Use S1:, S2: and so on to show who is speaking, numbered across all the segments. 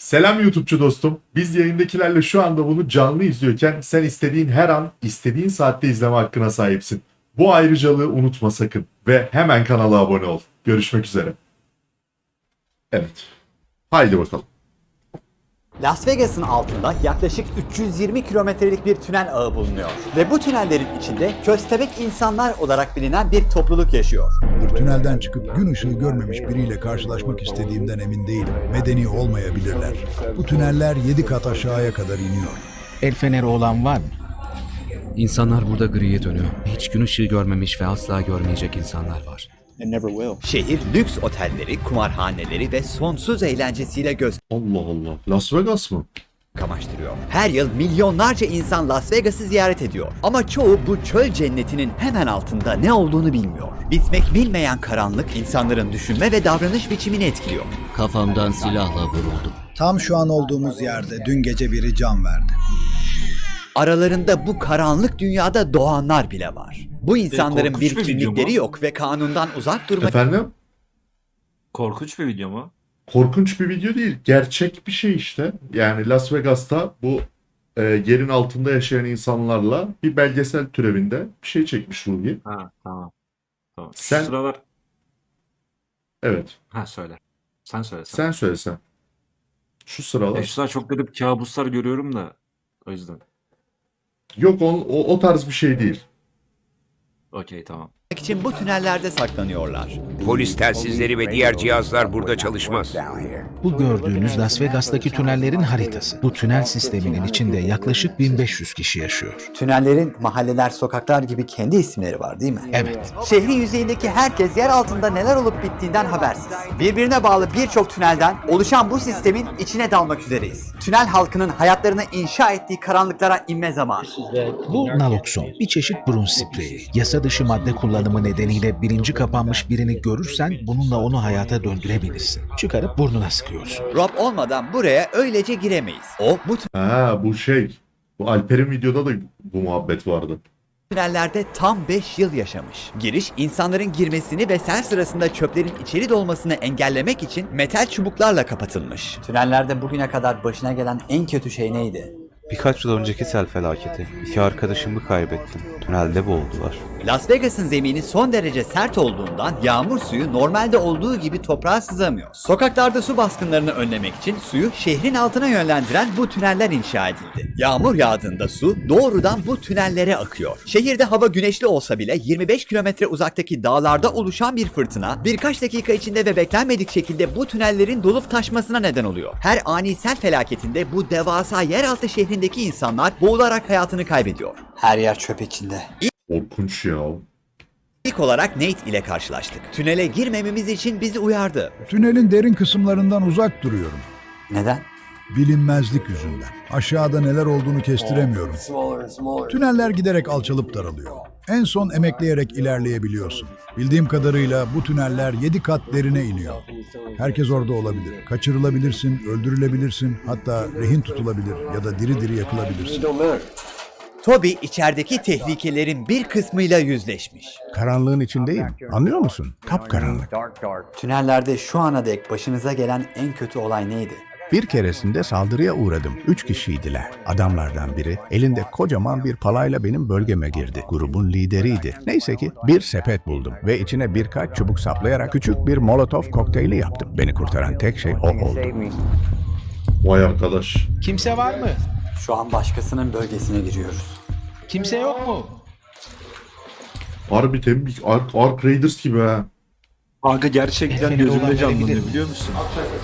S1: Selam YouTube'cu dostum. Biz yayındakilerle şu anda bunu canlı izliyorken sen istediğin her an, istediğin saatte izleme hakkına sahipsin. Bu ayrıcalığı unutma sakın ve hemen kanala abone ol. Görüşmek üzere. Evet. Haydi bakalım.
S2: Las Vegas'ın altında yaklaşık 320 kilometrelik bir tünel ağı bulunuyor. Ve bu tünellerin içinde köstebek insanlar olarak bilinen bir topluluk yaşıyor.
S3: Bir tünelden çıkıp gün ışığı görmemiş biriyle karşılaşmak istediğimden emin değilim. Medeni olmayabilirler. Bu tüneller 7 kat aşağıya kadar iniyor.
S4: El feneri olan var mı?
S5: İnsanlar burada griye dönüyor. Hiç gün ışığı görmemiş ve asla görmeyecek insanlar var.
S2: Şehir lüks otelleri, kumarhaneleri ve sonsuz eğlencesiyle göz
S1: Allah Allah. Las Vegas mı?
S2: kamaştırıyor. Her yıl milyonlarca insan Las Vegas'ı ziyaret ediyor. Ama çoğu bu çöl cennetinin hemen altında ne olduğunu bilmiyor. Bitmek bilmeyen karanlık insanların düşünme ve davranış biçimini etkiliyor.
S5: Kafamdan silahla vuruldum.
S3: Tam şu an olduğumuz yerde dün gece biri can verdi.
S2: Aralarında bu karanlık dünyada doğanlar bile var. Bu insanların
S6: korkunç
S2: bir
S6: bir video
S2: kimlikleri
S6: mu?
S2: yok ve kanundan uzak durmak
S1: Efendim?
S6: Korkunç bir video mu?
S1: Korkunç bir video değil. Gerçek bir şey işte. Yani Las Vegas'ta bu yerin altında yaşayan insanlarla bir belgesel türevinde bir şey çekmiş Ruhi.
S6: Ha tamam. Tamam. Şu
S1: Sen-
S6: sıralar...
S1: Evet.
S6: Ha söyle. Sen söyle.
S1: Sen söylesen. Şu sıralar.
S6: Şu sıralar çok garip kabuslar görüyorum da o yüzden.
S1: Yok o tarz bir şey değil.
S6: Okey tamam.
S2: için bu tünellerde saklanıyorlar.
S7: Polis telsizleri ve diğer cihazlar burada çalışmaz.
S4: Bu gördüğünüz Las Vegas'taki tünellerin haritası. Bu tünel sisteminin içinde yaklaşık 1500 kişi yaşıyor.
S2: Tünellerin mahalleler, sokaklar gibi kendi isimleri var değil mi?
S4: Evet.
S2: Şehrin yüzeyindeki herkes yer altında neler olup bittiğinden habersiz. Birbirine bağlı birçok tünelden oluşan bu sistemin içine dalmak üzereyiz. Tünel halkının hayatlarını inşa ettiği karanlıklara inme zamanı.
S4: Bu nalokson, bir çeşit burun spreyi. Yasa dışı madde kullanımı nedeniyle bilinci kapanmış birini görürsen bununla onu hayata döndürebilirsin. Çıkarıp burnuna sıkıyorsun.
S2: Rob olmadan buraya öylece giremeyiz. O bu
S1: Ha bu şey. Bu Alper'in videoda da bu muhabbet vardı.
S2: tünellerde tam 5 yıl yaşamış. Giriş, insanların girmesini ve sel sırasında çöplerin içeri dolmasını engellemek için metal çubuklarla kapatılmış. Tünellerde bugüne kadar başına gelen en kötü şey neydi?
S8: Birkaç yıl önceki sel felaketi. 2 arkadaşımı kaybettim. Tünelde boğuldular.
S2: Las Vegas'ın zemini son derece sert olduğundan yağmur suyu normalde olduğu gibi toprağa sızamıyor. Sokaklarda su baskınlarını önlemek için suyu şehrin altına yönlendiren bu tüneller inşa edildi. Yağmur yağdığında su doğrudan bu tünellere akıyor. Şehirde hava güneşli olsa bile 25 kilometre uzaktaki dağlarda oluşan bir fırtına birkaç dakika içinde ve beklenmedik şekilde bu tünellerin dolup taşmasına neden oluyor. Her ani sel felaketinde bu devasa yeraltı şehrindeki insanlar boğularak hayatını kaybediyor. Her yer çöp içinde.
S1: Korkunç ya.
S2: İlk olarak Nate ile karşılaştık. Tünele girmememiz için bizi uyardı.
S3: Tünelin derin kısımlarından uzak duruyorum.
S2: Neden?
S3: Bilinmezlik yüzünden. Aşağıda neler olduğunu kestiremiyorum. Tüneller giderek alçalıp daralıyor. En son emekleyerek ilerleyebiliyorsun. Bildiğim kadarıyla bu tüneller 7 kat derine iniyor. Herkes orada olabilir. Kaçırılabilirsin, öldürülebilirsin, hatta rehin tutulabilir ya da diri diri yakılabilirsin.
S2: Toby içerideki tehlikelerin bir kısmıyla yüzleşmiş.
S9: Karanlığın içindeyim. Anlıyor musun? Kapkaranlık.
S2: Tünellerde şu ana dek başınıza gelen en kötü olay neydi?
S9: Bir keresinde saldırıya uğradım. 3 kişiydiler. Adamlardan biri elinde kocaman bir palayla benim bölgeme girdi. Grubun lideriydi. Neyse ki bir sepet buldum ve içine birkaç çubuk saplayarak küçük bir molotov kokteyli yaptım. Beni kurtaran tek şey o oldu.
S1: Vay arkadaş.
S4: Kimse var mı?
S2: Şu an başkasının bölgesine giriyoruz.
S4: Kimse yok mu?
S1: Harbi tembik. Ark Raiders gibi ha.
S6: Kanka gerçekten
S4: Efendim,
S6: gözümde
S4: olan
S6: canlanıyor
S4: verebilir
S6: biliyor musun?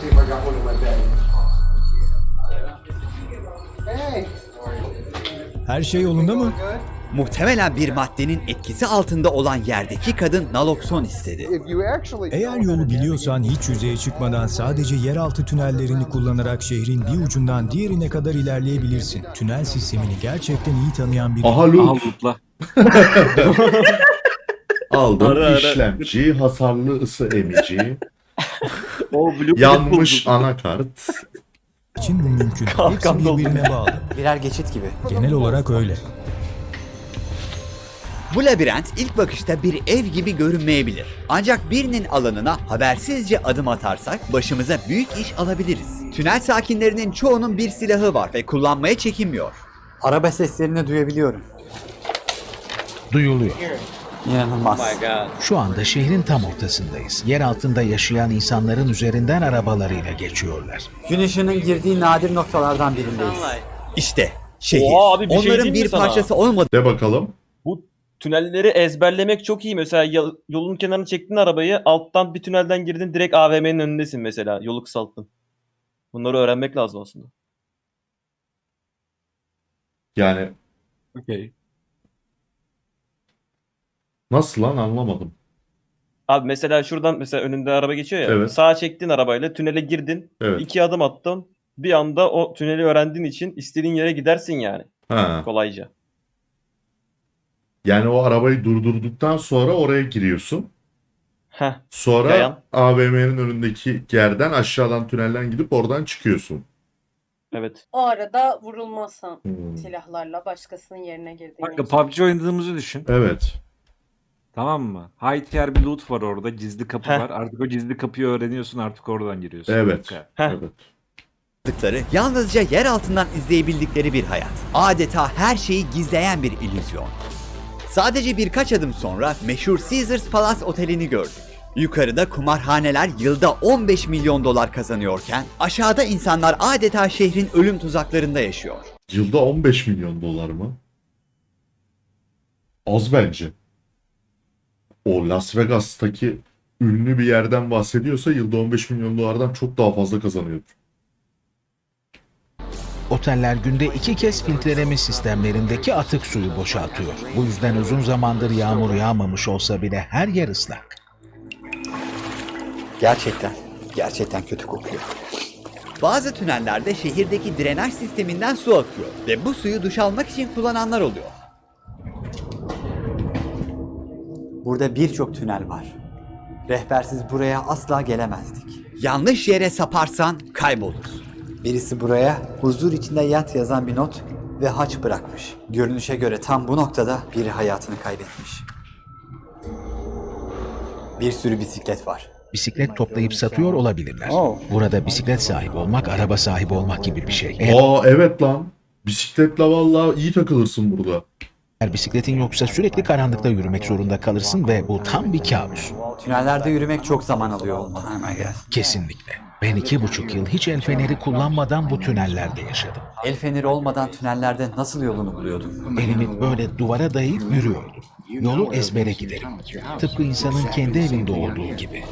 S10: Her şey yolunda mı?
S2: Muhtemelen bir maddenin etkisi altında olan yerdeki kadın nalokson istedi.
S10: Eğer yolu biliyorsan hiç yüzeye çıkmadan sadece yeraltı tünellerini kullanarak şehrin bir ucundan diğerine kadar ilerleyebilirsin. Tünel sistemini gerçekten iyi tanıyan biri.
S1: Aha
S6: Aha
S1: loot.
S6: lootla.
S1: Aldım.
S6: Ara.
S1: İşlemci, hasarlı ısı emici,
S6: O blue
S1: yanmış anakart.
S10: için bu mümkün. Hepsi birbirine bağlı.
S2: Birer geçit gibi.
S10: Genel olarak öyle.
S2: Bu labirent ilk bakışta bir ev gibi görünmeyebilir. Ancak birinin alanına habersizce adım atarsak başımıza büyük iş alabiliriz. Tünel sakinlerinin çoğunun bir silahı var ve kullanmaya çekinmiyor. Araba seslerini duyabiliyorum.
S4: Duyuluyor.
S2: İnanılmaz.
S4: Şu anda şehrin tam ortasındayız. Yer altında yaşayan insanların üzerinden arabalarıyla geçiyorlar.
S2: Gün ışığının girdiği nadir noktalardan birindeyiz. İşte şehir.
S11: Oha abi, bir şey
S2: Onların
S11: diyeyim mi
S2: bir
S11: sana?
S2: parçası olmadığı
S1: De bakalım.
S11: Bu tünelleri ezberlemek çok iyi. Mesela yolun kenarına çektin arabayı, alttan bir tünelden girdin, direkt AVM'nin önündesin mesela. Yolu kısalttın. Bunları öğrenmek lazım aslında.
S1: Yani
S6: Okey.
S1: nasıl lan anlamadım.
S11: Abi mesela şuradan mesela önünde araba geçiyor ya.
S1: Evet.
S11: Sağa çektin arabayla, tünele girdin.
S1: Evet.
S11: 2 adım attın. Bir anda o tüneli öğrendiğin için istediğin yere gidersin yani.
S1: Ha.
S11: Kolayca.
S1: Yani o arabayı durdurduktan sonra oraya giriyorsun.
S11: Heh.
S1: Sonra
S11: Yayan.
S1: AVM'nin önündeki yerden aşağıdan tünelden gidip oradan çıkıyorsun.
S11: Evet.
S12: O arada vurulmazsan
S1: Hmm.
S12: silahlarla başkasının yerine girdiğin
S6: Kanka
S12: için.
S6: PUBG oynadığımızı düşün.
S1: Evet.
S6: Tamam mı? High tier bir loot var orada. Gizli kapı
S11: Heh.
S6: var. Artık o gizli kapıyı öğreniyorsun. Artık oradan giriyorsun.
S1: Evet.
S6: Bu kadar.
S11: Heh.
S1: Evet.
S2: yalnızca yer altından izleyebildikleri bir hayat. Adeta her şeyi gizleyen bir illüzyon. Sadece birkaç adım sonra meşhur Caesars Palace Oteli'ni gördük. Yukarıda kumarhaneler yılda 15 milyon dolar kazanıyorken aşağıda insanlar adeta şehrin ölüm tuzaklarında yaşıyor.
S1: Yılda 15 milyon dolar mı? Az bence. O Las Vegas'taki ünlü bir yerden bahsediyorsa yılda 15 milyon dolardan çok daha fazla kazanıyordur.
S4: Oteller günde 2 kez filtreleme sistemlerindeki atık suyu boşaltıyor. Bu yüzden uzun zamandır yağmur yağmamış olsa bile her yer ıslak.
S2: Gerçekten kötü kokuyor. Bazı tünellerde şehirdeki drenaj sisteminden su akıyor ve bu suyu duş almak için kullananlar oluyor. Burada birçok tünel var. Rehbersiz buraya asla gelemezdik. Yanlış yere saparsan kaybolursun. Birisi buraya huzur içinde yat yazan bir not ve haç bırakmış. Görünüşe göre tam bu noktada biri hayatını kaybetmiş. Bir sürü bisiklet var.
S4: Bisiklet toplayıp satıyor olabilirler. Burada bisiklet sahibi olmak, araba sahibi olmak gibi bir şey.
S1: Aa evet lan. Bisikletle vallahi iyi takılırsın burada.
S4: Eğer bisikletin yoksa sürekli karanlıkta yürümek zorunda kalırsın ve bu tam bir kabus.
S2: Tünellerde yürümek çok zaman alıyor olmalı.
S4: Kesinlikle. Ben 2,5 yıl hiç el feneri kullanmadan bu tünellerde yaşadım.
S2: El feneri olmadan tünellerde nasıl yolunu buluyordun?
S4: Elimi böyle duvara dayayıp yürüyordum. Yolu ezbere giderim. Tıpkı insanın kendi evinde olduğu gibi.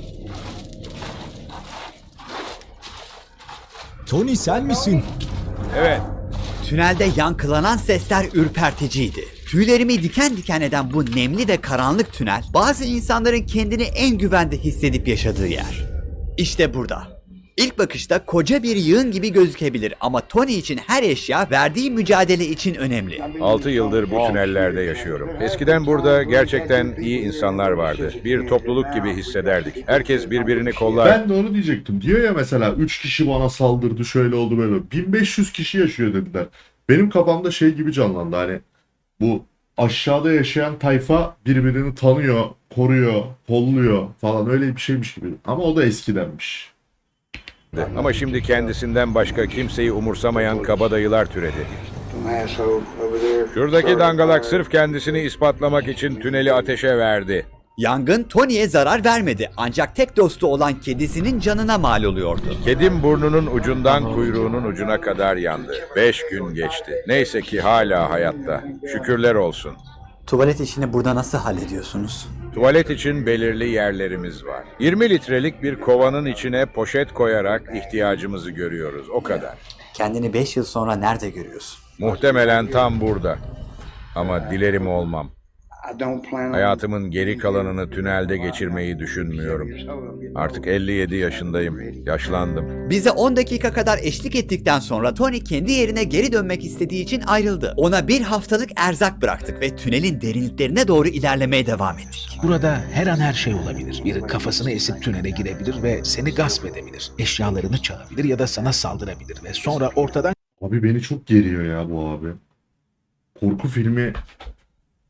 S10: Tony sen misin?
S2: Tünelde yankılanan sesler ürperticiydi. Tüylerimi diken diken eden bu nemli ve karanlık tünel, bazı insanların kendini en güvende hissedip yaşadığı yer. İşte burada. İlk bakışta koca bir yığın gibi gözükebilir ama Tony için her eşya verdiği mücadele için önemli.
S7: 6 yıldır bu tünellerde yaşıyorum. Eskiden burada gerçekten iyi insanlar vardı. Bir topluluk gibi hissederdik. Herkes birbirini kollar.
S1: Ben de onu diyecektim. Diyor ya mesela 3 kişi bana saldırdı şöyle oldu böyle oldu. 1500 kişi yaşıyor dediler. Benim kafamda şey gibi canlandı hani bu aşağıda yaşayan tayfa birbirini tanıyor, koruyor, kolluyor falan öyle bir şeymiş gibi. Ama o da eskidenmiş.
S7: Ama şimdi kendisinden başka kimseyi umursamayan kabadayılar türedi. Şuradaki dangalak sırf kendisini ispatlamak için tüneli ateşe verdi.
S2: Yangın Tony'ye zarar vermedi ancak tek dostu olan kedisinin canına mal oluyordu.
S7: Kedim burnunun ucundan kuyruğunun ucuna kadar yandı. 5 gün geçti. Neyse ki hala hayatta. Şükürler olsun.
S2: Tuvalet işini burada nasıl hallediyorsunuz?
S7: Tuvalet için belirli yerlerimiz var. 20 litrelik bir kovanın içine poşet koyarak ihtiyacımızı görüyoruz. O kadar.
S2: Kendini 5 yıl sonra nerede görüyorsun?
S7: Muhtemelen tam burada. Ama dilerim olmam. Hayatımın geri kalanını tünelde geçirmeyi düşünmüyorum. Artık 57 yaşındayım. Yaşlandım.
S2: Bize 10 dakika kadar eşlik ettikten sonra Tony kendi yerine geri dönmek istediği için ayrıldı. Ona bir haftalık erzak bıraktık ve tünelin derinliklerine doğru ilerlemeye devam ettik.
S4: Burada her an her şey olabilir. Biri kafasını esip tünele girebilir ve seni gasp edebilir. Eşyalarını çalabilir ya da sana saldırabilir ve sonra ortadan
S1: Abi beni çok geriyor ya bu abi. Korku filmi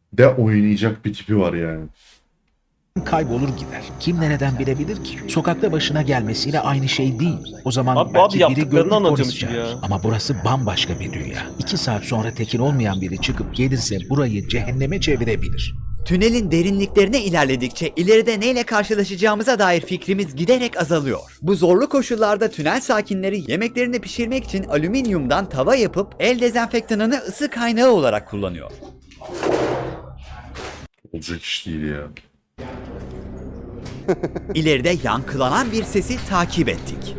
S1: de oynayacak bir tipi var yani.
S4: Kaybolur gider. Kim nereden bilebilir ki? Sokakta başına gelmesiyle aynı şey değil. O zaman
S11: Abi
S4: belki biri
S11: yaptıklarını
S4: görür polis
S11: anlatıyormuş
S4: çağırır.
S11: ya.
S4: Ama burası bambaşka bir dünya. 2 saat sonra tekin olmayan biri çıkıp gelirse burayı cehenneme çevirebilir.
S2: Tünelin derinliklerine ilerledikçe ileride neyle karşılaşacağımıza dair fikrimiz giderek azalıyor. Bu zorlu koşullarda tünel sakinleri yemeklerini pişirmek için alüminyumdan tava yapıp el dezenfektanını ısı kaynağı olarak kullanıyor.
S1: Olacak iş değil ya.
S2: İleride yankılanan bir sesi takip ettik.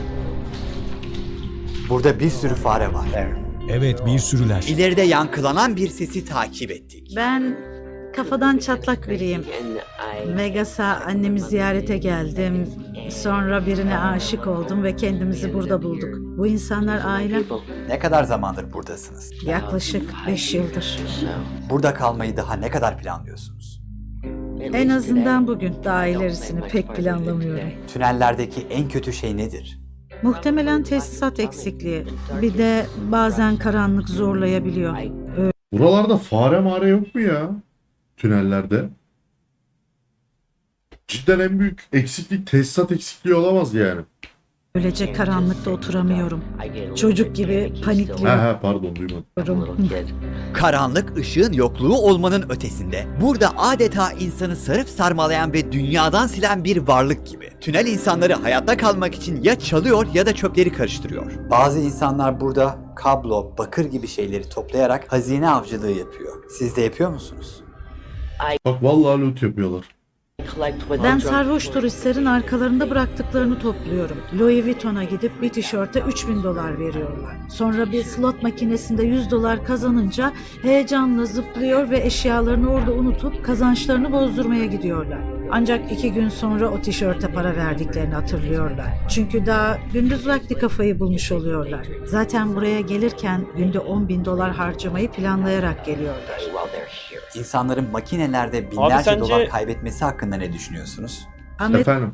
S2: Burada bir sürü fare var.
S10: Evet, bir sürüler.
S2: İleride yankılanan bir sesi takip ettik.
S13: Ben kafadan çatlak biriyim. Vegas'a annemi ziyarete geldim. Sonra birine aşık oldum ve kendimizi burada bulduk. Bu insanlar ailem.
S2: Ne kadar zamandır buradasınız?
S13: Yaklaşık 5 yıldır.
S2: Burada kalmayı daha ne kadar planlıyorsunuz?
S13: En azından bugün. Daha ilerisini pek planlamıyorum.
S2: Tünellerdeki en kötü şey nedir?
S13: Muhtemelen tesisat eksikliği. Bir de bazen karanlık zorlayabiliyor.
S1: Buralarda fare mare yok mu ya? Tünellerde. Cidden en büyük eksiklik tesisat eksikliği olamaz yani.
S13: Öylece karanlıkta oturamıyorum. Çocuk gibi panikliyorum.
S1: Pardon duymadım.
S2: Karanlık ışığın yokluğu olmanın ötesinde burada adeta insanı sarıp sarmalayan ve dünyadan silen bir varlık gibi. Tünel insanları hayatta kalmak için ya çalıyor ya da çöpleri karıştırıyor. Bazı insanlar burada kablo, bakır gibi şeyleri toplayarak hazine avcılığı yapıyor. Siz de yapıyor musunuz?
S1: Bak vallahi loot yapıyorlar.
S13: Ben sarhoş turistlerin arkalarında bıraktıklarını topluyorum. Louis Vuitton'a gidip bir tişörte $3.000 veriyorlar. Sonra bir slot makinesinde $100 kazanınca heyecanla zıplıyor ve eşyalarını orada unutup kazançlarını bozdurmaya gidiyorlar. Ancak 2 gün sonra o tişörte para verdiklerini hatırlıyorlar. Çünkü daha gündüz vakti kafayı bulmuş oluyorlar. Zaten buraya gelirken günde $10.000 harcamayı planlayarak geliyorlar.
S2: İnsanların makinelerde
S11: Abi
S2: binlerce
S11: sence-
S2: dolar kaybetmesi hakkında ne düşünüyorsunuz?
S1: Efendim.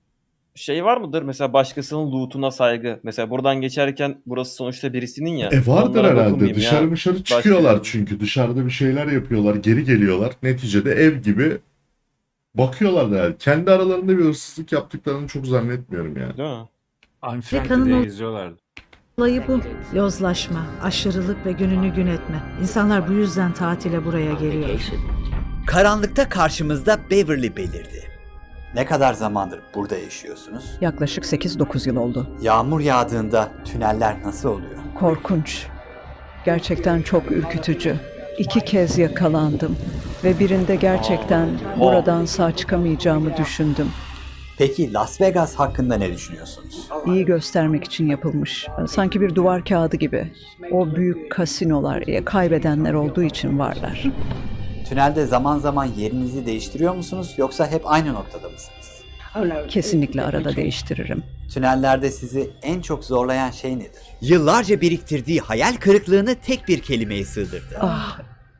S11: Şey var mıdır mesela başkasının loot'una saygı? Mesela buradan geçerken burası sonuçta birisinin ya.
S1: Vardır
S11: onlara
S1: herhalde.
S11: dokunmayayım
S1: Dışarı
S11: ya.
S1: dışarı
S11: Başka-
S1: çıkıyorlar çünkü. Dışarıda bir şeyler yapıyorlar. Geri geliyorlar. Neticede ev gibi bakıyorlar da yani. Kendi aralarında bir hırsızlık yaptıklarını çok zannetmiyorum yani.
S11: Değil mi?
S13: Kanın
S6: diye
S13: ol-
S6: geziyorlardı.
S13: Olayı bu. Yozlaşma, aşırılık ve gününü gün etme. İnsanlar bu yüzden tatile buraya geliyor.
S2: Karanlıkta karşımızda Beverly belirdi. Ne kadar zamandır burada yaşıyorsunuz?
S14: Yaklaşık 8-9 yıl oldu.
S2: Yağmur yağdığında tüneller nasıl oluyor?
S14: Korkunç. Gerçekten çok ürkütücü. 2 kez yakalandım ve birinde gerçekten buradan sağ çıkamayacağımı düşündüm.
S2: Peki Las Vegas hakkında ne düşünüyorsunuz?
S14: İyi göstermek için yapılmış. Sanki bir duvar kağıdı gibi. O büyük kasinolar kaybedenler olduğu için varlar.
S2: Tünelde zaman zaman yerinizi değiştiriyor musunuz yoksa hep aynı noktada mısınız?
S14: Kesinlikle arada değiştiririm.
S2: Tünellerde sizi en çok zorlayan şey nedir? Yıllarca biriktirdiği hayal kırıklığını tek bir kelimeye sığdırdı.
S14: Ah,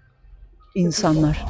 S14: insanlar.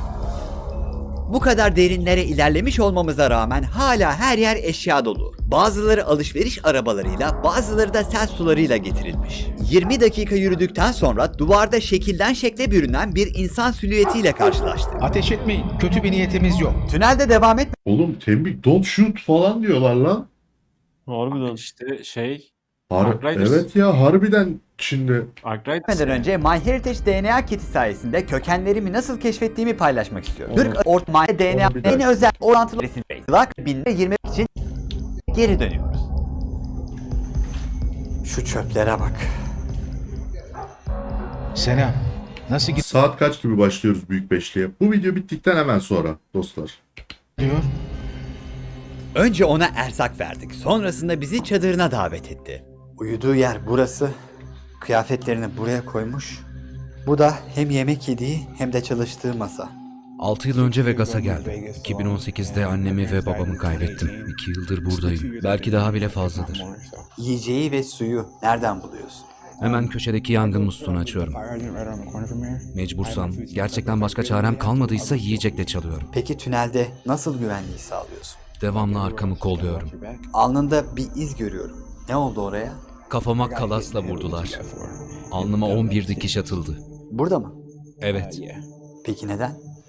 S2: Bu kadar derinlere ilerlemiş olmamıza rağmen hala her yer eşya dolu. Bazıları alışveriş arabalarıyla, bazıları da sel sularıyla getirilmiş. 20 dakika yürüdükten sonra duvarda şekilden şekle bürünen bir insan silüetiyle karşılaştık.
S4: Ateş etmeyin. Kötü bir niyetimiz yok.
S2: Tünelde devam
S1: Oğlum tembik don't shoot falan diyorlar lan.
S11: Harbiden.
S6: İşte Arkriders.
S1: Evet ya harbiden şimdi.
S2: etmeden önce MyHeritage DNA kiti sayesinde kökenlerimi nasıl keşfettiğimi paylaşmak istiyorum. Türk Ortman DNA
S1: Onu bir dakika.
S2: en özel orantılı resimlak 1020 için geri dönüyoruz. Şu çöplere bak.
S4: Selam. Nasıl
S1: Saat kaç gibi başlıyoruz Büyük Beşli'ye? Bu video bittikten hemen sonra dostlar.
S4: gidiyor?
S2: Önce ona erzak verdik. Sonrasında bizi çadırına davet etti. Uyuduğu yer burası. Kıyafetlerini buraya koymuş. Bu da hem yemek yediği hem de çalıştığı masa.
S5: 6 yıl önce Vegas'a geldim. 2018'de annemi ve babamı kaybettim. 2 yıldır buradayım. Belki daha bile fazladır.
S2: Yiyeceği ve suyu nereden buluyorsun?
S5: Hemen köşedeki yangın musluğunu açıyorum. Mecbursam, gerçekten başka çarem kalmadıysa yiyecekle çalıyorum.
S2: Peki tünelde nasıl güvenliği sağlıyorsun?
S5: Devamlı arkamı kolluyorum.
S2: Alnında bir iz görüyorum. Ne oldu oraya?
S5: Kafama kalasla vurdular. Alnıma 11 dikiş atıldı.
S2: Burada mı?
S5: Evet.
S2: Peki neden?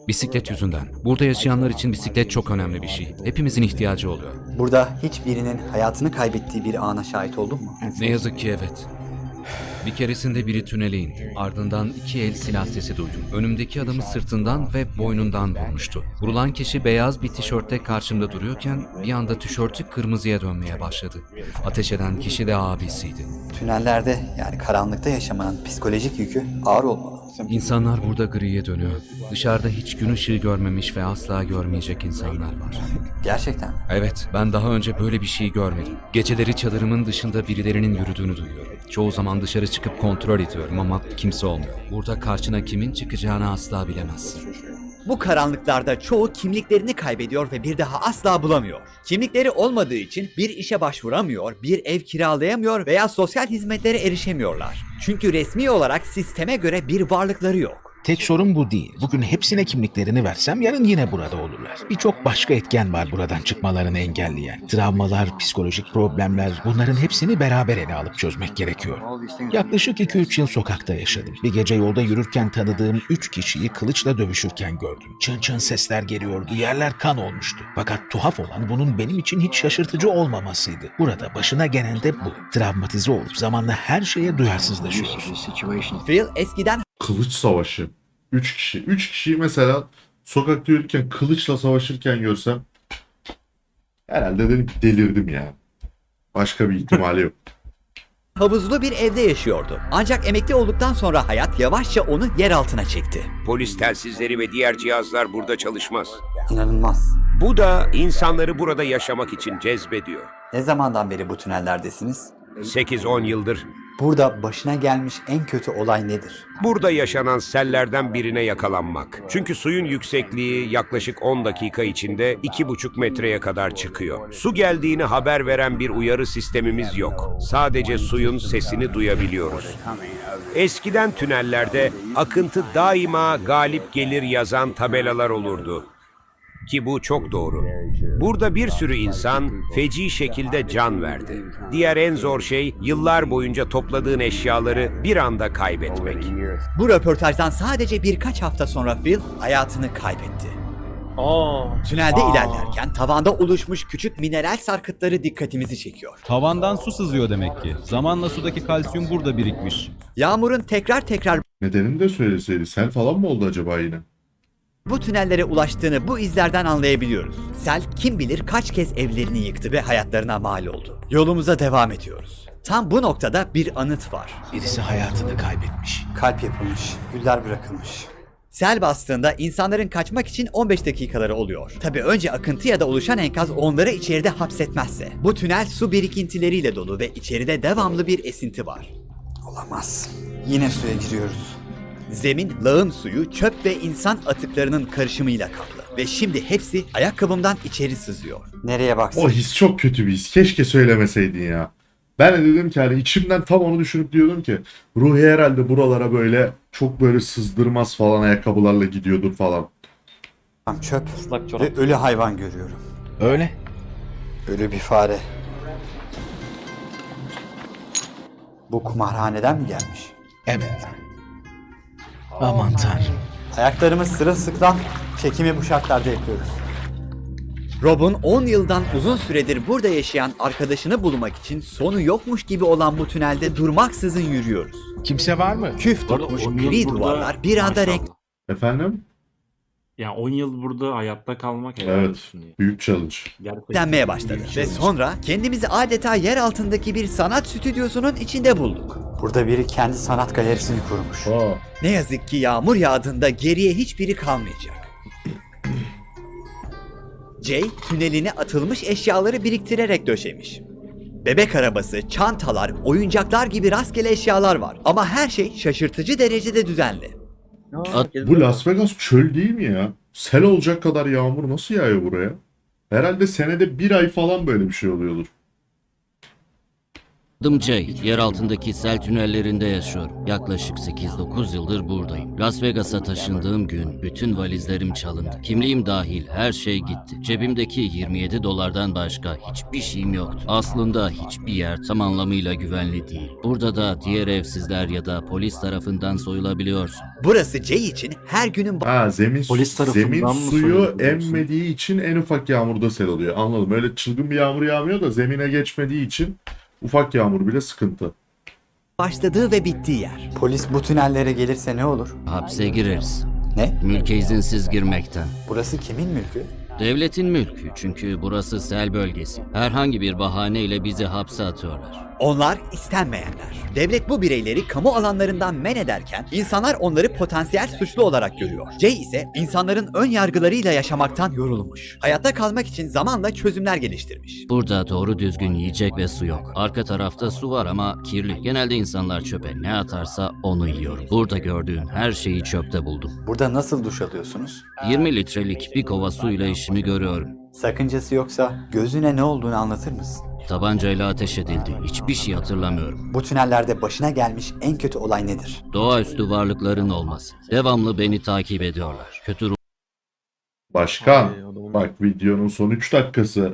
S5: Bisiklet yüzünden. Burada yaşayanlar için bisiklet çok önemli bir şey. Hepimizin ihtiyacı oluyor.
S2: Burada hiçbirinin hayatını kaybettiği bir ana şahit oldun mu?
S5: Ne yazık ki evet. Bir keresinde biri tünele indi. Ardından 2 el silah sesi duydum. Önümdeki adamı sırtından ve boynundan vurmuştu. Vurulan kişi beyaz bir tişörtte karşımda duruyorken bir anda tişörtü kırmızıya dönmeye başladı. Ateş eden kişi de abisiydi.
S2: Tünellerde yani karanlıkta yaşamanın psikolojik yükü ağır olmalı.
S5: İnsanlar burada griye dönüyor. Dışarıda hiç gün ışığı görmemiş ve asla görmeyecek insanlar var.
S2: Gerçekten.
S5: Evet, ben daha önce böyle bir şey görmedim. Geceleri çadırımın dışında birilerinin yürüdüğünü duyuyorum. Çoğu zaman dışarı çıkıp kontrol ediyorum ama kimse olmuyor. Burada karşına kimin çıkacağını asla bilemezsin.
S2: Bu karanlıklarda çoğu kimliklerini kaybediyor ve bir daha asla bulamıyor. Kimlikleri olmadığı için bir işe başvuramıyor, bir ev kiralayamıyor veya sosyal hizmetlere erişemiyorlar. Çünkü resmi olarak sisteme göre bir varlıkları yok.
S4: Tek sorun bu değil. Bugün hepsine kimliklerini versem yarın yine burada olurlar. Birçok başka etken var buradan çıkmalarını engelleyen. Travmalar, psikolojik problemler, bunların hepsini beraber ele alıp çözmek gerekiyor. Yaklaşık 2-3 yıl sokakta yaşadım. Bir gece yolda yürürken tanıdığım 3 kişiyi kılıçla dövüşürken gördüm. Çın çın sesler geliyordu, yerler kan olmuştu. Fakat tuhaf olan bunun benim için hiç şaşırtıcı olmamasıydı. Burada başına gelen de bu. Travmatize olup zamanla her şeye duyarsızlaşıyoruz.
S2: Phil eskiden
S1: Kılıç savaşı. 3 kişi. 3 kişiyi mesela sokakta yürürken kılıçla savaşırken görsem herhalde dedim ki delirdim ya. Başka bir ihtimali yok.
S2: havuzlu bir evde yaşıyordu. Ancak emekli olduktan sonra hayat yavaşça onu yer altına çekti.
S15: Polis telsizleri ve diğer cihazlar burada çalışmaz.
S2: İnanılmaz.
S15: Bu da insanları burada yaşamak için cezbediyor.
S2: Ne zamandan beri bu tünellerdesiniz?
S15: 8-10 yıldır.
S2: Burada başına gelmiş en kötü olay nedir?
S15: Burada yaşanan sellerden birine yakalanmak. Çünkü suyun yüksekliği yaklaşık 10 dakika içinde 2,5 metreye kadar çıkıyor. Su geldiğini haber veren bir uyarı sistemimiz yok. Sadece suyun sesini duyabiliyoruz. Eskiden tünellerde akıntı daima galip gelir yazan tabelalar olurdu. Ki bu çok doğru. Burada bir sürü insan feci şekilde can verdi. Diğer en zor şey yıllar boyunca topladığın eşyaları bir anda kaybetmek.
S2: Bu röportajdan sadece birkaç hafta sonra Phil hayatını kaybetti. Tünelde ilerlerken tavanda oluşmuş küçük mineral sarkıtları dikkatimizi çekiyor.
S16: Tavandan su sızıyor demek ki. Zamanla sudaki kalsiyum burada birikmiş.
S2: Yağmurun tekrar
S1: Nedenini de söyleseydi. Sel falan mı oldu acaba yine?
S2: bu tünellere ulaştığını bu izlerden anlayabiliyoruz. Sel kim bilir kaç kez evlerini yıktı ve hayatlarına mal oldu. Yolumuza devam ediyoruz. Tam bu noktada bir anıt var.
S4: Birisi hayatını kaybetmiş.
S2: Kalp yapılmış, güller bırakılmış. Sel bastığında insanların kaçmak için 15 dakikaları oluyor. Tabii önce akıntı ya da oluşan enkaz onları içeride hapsetmezse. Bu tünel su birikintileriyle dolu ve içeride devamlı bir esinti var. Olamaz. Yine suya giriyoruz. Zemin, lağım suyu, çöp ve insan atıklarının karışımıyla kaplı. Ve şimdi hepsi ayakkabımdan içeri sızıyor. Nereye baksan.
S1: O his çok kötü bir his. Keşke söylemeseydin ya. Ben de dedim ki hani içimden tam onu düşünüp diyordum ki Ruhi herhalde buralara böyle çok böyle sızdırmaz falan ayakkabılarla gidiyordur falan.
S2: Çöp ve ölü hayvan görüyorum.
S4: Öyle.
S2: Ölü bir fare. Bu kumarhaneden mi gelmiş?
S4: Evet. Aman tanrım.
S2: Ayaklarımız sırılsıklam, çekimi bu şartlarda yapıyoruz. Rob'un 10 yıldan uzun süredir burada yaşayan arkadaşını bulmak için sonu yokmuş gibi olan bu tünelde durmaksızın yürüyoruz.
S4: Kimse var mı?
S2: Küf tutmuş gri duvarlar bir anda renk...
S1: Efendim?
S6: Ya 10 yıl burada hayatta kalmak helal
S1: Evet.
S6: olsun ya.
S1: Büyük challenge.
S6: Gerçekten
S2: denmeye başladı.
S6: büyük
S2: Ve
S6: challenge.
S2: sonra kendimizi adeta yer altındaki bir sanat stüdyosunun içinde bulduk. Burada biri kendi sanat galerisini kurmuş. Ne yazık ki yağmur yağdığında geriye hiçbiri kalmayacak. Jay tüneline atılmış eşyaları biriktirerek döşemiş. Bebek arabası, çantalar, oyuncaklar gibi rastgele eşyalar var. Ama her şey şaşırtıcı derecede düzenli.
S1: Bu Las Vegas çöl değil mi ya? Sel olacak kadar yağmur nasıl yağıyor buraya? Herhalde senede bir ay falan böyle bir şey oluyordur.
S17: Adım Jay. Yer altındaki sel tünellerinde yaşıyorum. Yaklaşık 8-9 yıldır buradayım. Las Vegas'a taşındığım gün bütün valizlerim çalındı. Kimliğim dahil her şey gitti. Cebimdeki 27 dolardan başka hiçbir şeyim yoktu. Aslında hiçbir yer tam anlamıyla güvenli değil. Burada da diğer evsizler ya da polis tarafından soyulabiliyorsun.
S2: Burası Jay için her günün
S1: Zemin
S6: Polis tarafından
S1: zemin
S6: mı
S1: suyu
S6: soyuluyorsun?
S1: emmediği için en ufak yağmurda sel oluyor. Anladım. Öyle çılgın bir yağmur yağmıyor da zemine geçmediği için ufak yağmur bile sıkıntı.
S2: başladığı ve bittiği yer.
S18: Polis bu tünellere gelirse ne olur?
S17: Hapse gireriz.
S18: Ne?
S17: Mülke izinsiz girmekten.
S18: Burası kimin mülkü?
S17: Devletin mülkü çünkü burası sel bölgesi. Herhangi bir bahaneyle bizi hapse atıyorlar.
S2: Onlar istenmeyenler. Devlet bu bireyleri kamu alanlarından men ederken insanlar onları potansiyel suçlu olarak görüyor. Jay ise insanların ön yargılarıyla yaşamaktan yorulmuş. Hayatta kalmak için zamanla çözümler geliştirmiş.
S17: Burada doğru düzgün yiyecek ve su yok. Arka tarafta su var ama kirli. Genelde insanlar çöpe ne atarsa onu yiyorum. Burada gördüğün her şeyi çöpte buldum.
S18: Burada nasıl duş alıyorsunuz?
S17: 20 litrelik bir kova suyla işimi görüyorum.
S18: Sakıncası yoksa gözüne ne olduğunu anlatır mısın?
S17: Tabancayla ateş edildi. Hiçbir şey hatırlamıyorum.
S18: Bu tünellerde başına gelmiş en kötü olay nedir?
S17: Doğaüstü varlıkların olması. Devamlı beni takip ediyorlar. Kötü
S1: Başkan, bak videonun son 3 dakikası.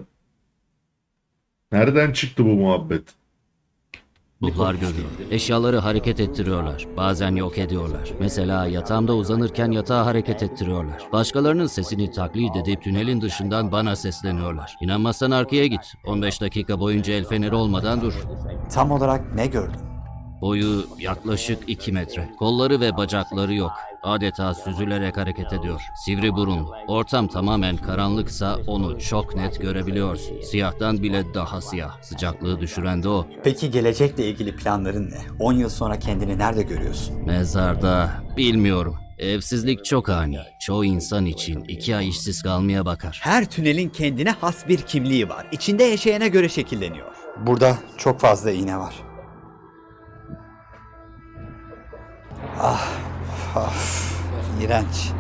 S1: Nereden çıktı bu muhabbet?
S17: ruhlar görüyorum. Eşyaları hareket ettiriyorlar. Bazen yok ediyorlar. Mesela yatağımda uzanırken yatağı hareket ettiriyorlar. Başkalarının sesini taklit edip tünelin dışından bana sesleniyorlar. İnanmazsan arkaya git. 15 dakika boyunca el feneri olmadan dur.
S18: Tam olarak ne gördün?
S17: Boyu yaklaşık 2 metre. Kolları ve bacakları yok. Adeta süzülerek hareket ediyor. Sivri burunlu. Ortam tamamen karanlıksa onu çok net görebiliyorsun. Siyahtan bile daha siyah. Sıcaklığı düşüren de o.
S18: Peki gelecekle ilgili planların ne? 10 yıl sonra kendini nerede görüyorsun?
S17: Mezarda bilmiyorum. Evsizlik çok ani. Çoğu insan için 2 ay işsiz kalmaya bakar.
S2: Her tünelin kendine has bir kimliği var. İçinde yaşayana göre şekilleniyor.
S18: Burada çok fazla iğne var. İğrenç.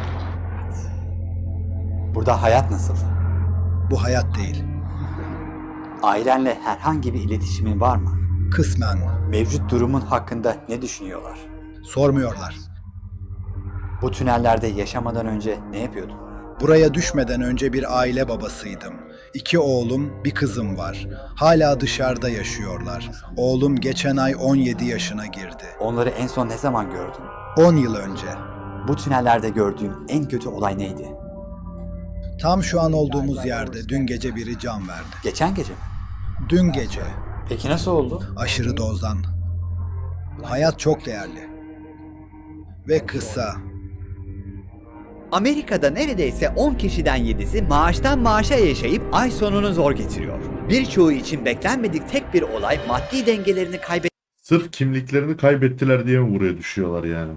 S18: Burada hayat nasıl?
S3: Bu hayat değil.
S18: Ailenle herhangi bir iletişimin var mı?
S3: Kısmen.
S18: Mevcut durumun hakkında ne düşünüyorlar?
S3: Sormuyorlar.
S18: Bu tünellerde yaşamadan önce ne yapıyordun?
S3: Buraya düşmeden önce bir aile babasıydım. 2 oğlum, bir kızım var. Hala dışarıda yaşıyorlar. Oğlum geçen ay 17 yaşına girdi.
S18: Onları en son ne zaman gördün?
S3: 10 yıl önce.
S18: Bu tünellerde gördüğün en kötü olay neydi?
S3: Tam şu an olduğumuz yerde dün gece biri can verdi.
S18: Geçen gece mi?
S3: Dün gece.
S18: Peki nasıl oldu?
S3: Aşırı dozdan. Hayat çok değerli. Ve kısa.
S2: Amerika'da neredeyse 10 kişiden 7'si maaştan maaşa yaşayıp ay sonunu zor getiriyor. Birçoğu için beklenmedik tek bir olay maddi dengelerini
S1: Sırf kimliklerini kaybettiler diye mi buraya düşüyorlar yani?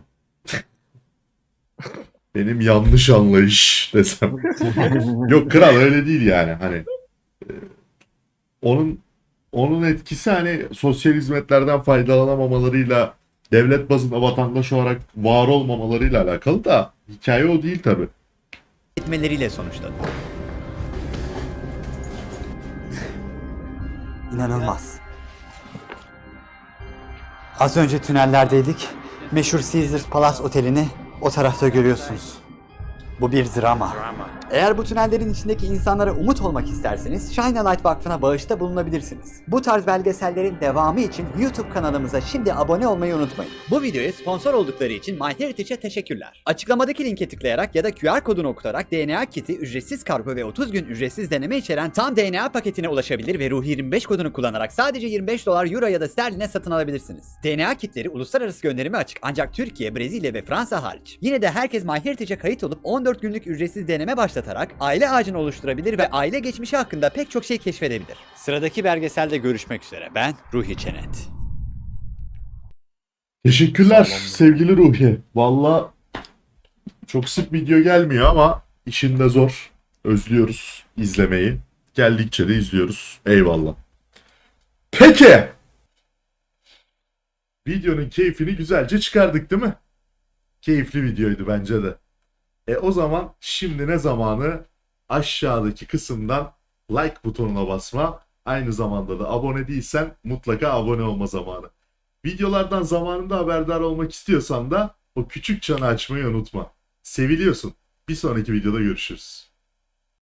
S1: Benim yanlış anlayış desem. Yok kral öyle değil yani hani. Onun etkisi hani sosyal hizmetlerden faydalanamamalarıyla devlet bazında vatandaş olarak var olmamalarıyla alakalı da hikaye o değil tabi.
S2: etmeleriyle sonuçlanıyor.
S18: İnanılmaz. Az önce tünellerdeydik. Meşhur Caesars Palace Oteli'ni o tarafta görüyorsunuz. Bu bir drama. Eğer bu tünellerin içindeki insanlara umut olmak isterseniz Shine a Light Vakfı'na bağışta bulunabilirsiniz. Bu tarz belgesellerin devamı için YouTube kanalımıza şimdi abone olmayı unutmayın.
S2: Bu videoya sponsor oldukları için MyHeritage'e teşekkürler. Açıklamadaki linke tıklayarak ya da QR kodunu okutarak DNA kiti, ücretsiz kargo ve 30 gün ücretsiz deneme içeren tam DNA paketine ulaşabilir ve Ruhi 25 kodunu kullanarak sadece 25 dolar, euro ya da sterline satın alabilirsiniz. DNA kitleri uluslararası gönderime açık ancak Türkiye, Brezilya ve Fransa hariç. Yine de herkes MyHeritage'e kayıt olup 14 günlük ücretsiz deneme başlatarak aile ağacını oluşturabilir ve aile geçmişi hakkında pek çok şey keşfedebilir.
S18: Sıradaki belgeselde görüşmek üzere. Ben Ruhi Çenet.
S1: Teşekkürler sevgili Ruhi. Valla çok sık video gelmiyor ama işin de zor. Özlüyoruz izlemeyi. Geldikçe de izliyoruz. Eyvallah. Peki. Videonun keyfini güzelce çıkardık değil mi? Keyifli videoydu bence de. O zaman şimdi ne zamanı? Aşağıdaki kısımdan like butonuna basma, Aynı zamanda da abone değilsen mutlaka abone olma zamanı. Videolardan zamanında haberdar olmak istiyorsan da o küçük çanı açmayı unutma. Seviliyorsun. Bir sonraki videoda görüşürüz.